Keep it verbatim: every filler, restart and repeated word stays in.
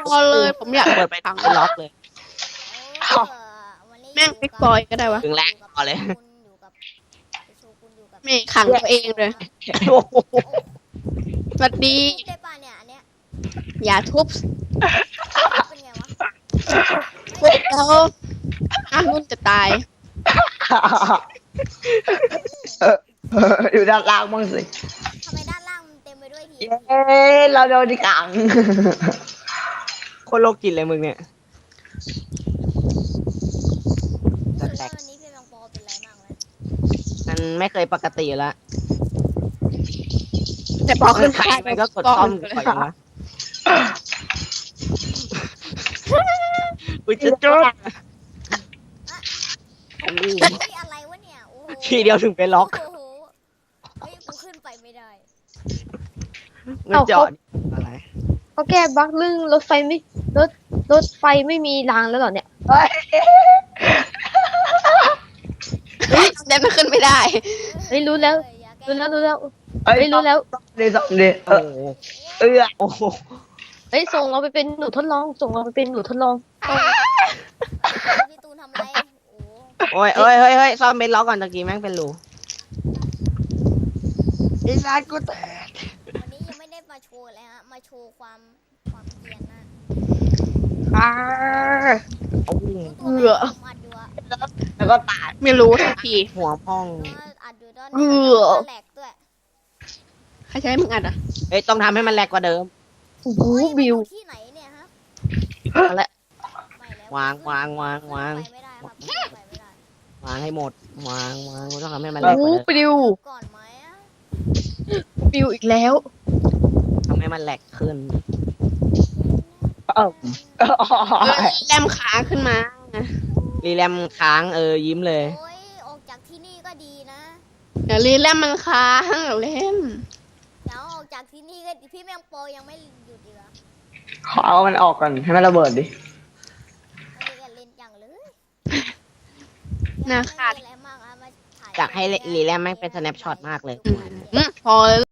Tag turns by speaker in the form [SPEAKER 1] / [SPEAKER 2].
[SPEAKER 1] พอเลยผมอยาก
[SPEAKER 2] เปิดไปทางล็อกเลย
[SPEAKER 3] เออวันนี้
[SPEAKER 1] แม่งฟิกบอยก็ได้วะ
[SPEAKER 2] ถึงแรงพอเลย
[SPEAKER 3] อยู่กับโชกุนอยู่กับ
[SPEAKER 1] ไม่ขังตัวเองเลย
[SPEAKER 2] โอ้โห
[SPEAKER 1] สวัสดี
[SPEAKER 3] ทุบได้ป่ะเนี่ยอันเนี้ย
[SPEAKER 1] อย่าทุบ
[SPEAKER 3] เป็นไงวะ
[SPEAKER 1] ทุบแล้วอ้าวนุ่นจะตาย
[SPEAKER 4] เออเอออยู่ด้านล่างบ้างสิ
[SPEAKER 3] ทำไมด้านล่างมันเต็มไปด้วยที
[SPEAKER 4] เย้เราโดนที่ขัง
[SPEAKER 2] โคตรโลกจิตเลยมึงเนี่ย
[SPEAKER 3] รู้สึกว่าวันนี้พี่แมงปอเป็นไรมากเลย
[SPEAKER 2] มันไม่เคยปกติอยู่แล้ว
[SPEAKER 1] แต่พอขึ้น
[SPEAKER 2] ใครมันก็กดซ่อมก่อนนะอุ้ยจะจุด
[SPEAKER 3] เฮ้ยอะไรวะเนี่ยโอ้โห
[SPEAKER 2] ทีเดียวถึงไปล็อก
[SPEAKER 3] โอ้โหเฮ้ยกูขึ้นไปไม่ได้
[SPEAKER 2] มันจอดอะไร
[SPEAKER 5] เขาแก้บั๊กเรื่องรถไฟไม่รถรถไฟไม่มีรางแล้วเหรอเนี่ย
[SPEAKER 4] เฮ้ย
[SPEAKER 1] เฮ้ยแต่ไม่ขึ้นไม่ได้
[SPEAKER 5] เฮ้ยรู้แล้ว
[SPEAKER 3] เอออย่าก้
[SPEAKER 5] รู้แล้วรู้แล้ว
[SPEAKER 4] เฮ้ย
[SPEAKER 5] เฮ้ยรู้แล้ว
[SPEAKER 4] เดี๋ยวสองเดี๋ยวเอ
[SPEAKER 2] โอ้
[SPEAKER 4] อ
[SPEAKER 2] โห
[SPEAKER 4] เออ
[SPEAKER 2] โอ้โห
[SPEAKER 5] เฮ้ยส่งเราไปเป็นหนูทดลองส่งเราไปเป็นหนูทดลอง
[SPEAKER 3] พี่ตูนทำไรโอ้โห
[SPEAKER 2] โอ้ยเอ้ยเฮ้ยเฮ้ยซ่อมเป็นล็อกก่อนตะกี้แม่งเป็นรูไอ้ร้านกูแตก
[SPEAKER 3] วันนี้ยังไม่ได้มาโชว์เลยฮะมาโชว์ความความเกรียนนะ
[SPEAKER 2] อ้าโอ้โห
[SPEAKER 3] ตัวแม่ผมอัดอยู่อะ
[SPEAKER 4] แล้วก็ตาย
[SPEAKER 1] ไม่รู้ทันที
[SPEAKER 2] หัวพ่อง
[SPEAKER 3] อัดอยู่ตอน
[SPEAKER 1] เอ
[SPEAKER 3] นี้
[SPEAKER 1] อ
[SPEAKER 3] แหลกด้วย
[SPEAKER 1] ใครใช้มึงอัดอ่ะ
[SPEAKER 2] เฮ้ยต้องทำให้มันแรงกว่าเดิม
[SPEAKER 5] โอ้โห
[SPEAKER 3] เฮ้ย
[SPEAKER 5] บิว
[SPEAKER 3] มันอยู่ที่ไหนเนี่ยฮะ
[SPEAKER 2] เอาละ
[SPEAKER 3] ไม่แล้ว
[SPEAKER 2] วางวางวางวาง
[SPEAKER 3] ไปไม่ได้ครับขึ้นไปไม่ได้
[SPEAKER 2] วางให้หมดวางวางต้องทำให้มันแร
[SPEAKER 5] โอ้
[SPEAKER 2] ง
[SPEAKER 5] โห
[SPEAKER 2] กว่าเดิม
[SPEAKER 5] ปลิว
[SPEAKER 3] ก่อนไหมอะ
[SPEAKER 5] ปลิวอีกแล้ว
[SPEAKER 2] ทำให้มันแหลกขึ้น
[SPEAKER 4] เออเออ
[SPEAKER 1] เออแรมขาขึ้นมา
[SPEAKER 2] รีแรมค้างเออยิ้มเลย
[SPEAKER 3] โอ้ยออกจากที่นี่ก็ดีนะ
[SPEAKER 1] เดี๋ยวรีแรมมันค้างเดี๋ยวเล่น
[SPEAKER 3] เดี๋ยวออกจากที่นี่ก็พี่แมงโปยังไม่หยุดอีกเหรอ
[SPEAKER 4] ขอเอามันออกก่อนให้มันระเบิดดิ
[SPEAKER 3] ไม่ได้กันเล่นจังเลย
[SPEAKER 1] น่าขาด
[SPEAKER 3] ไม่มีอะไรมากอะมาถ่าย
[SPEAKER 2] อยากให้รีแรมแม่งเป็น snapshot มากเลย
[SPEAKER 1] อืมพอ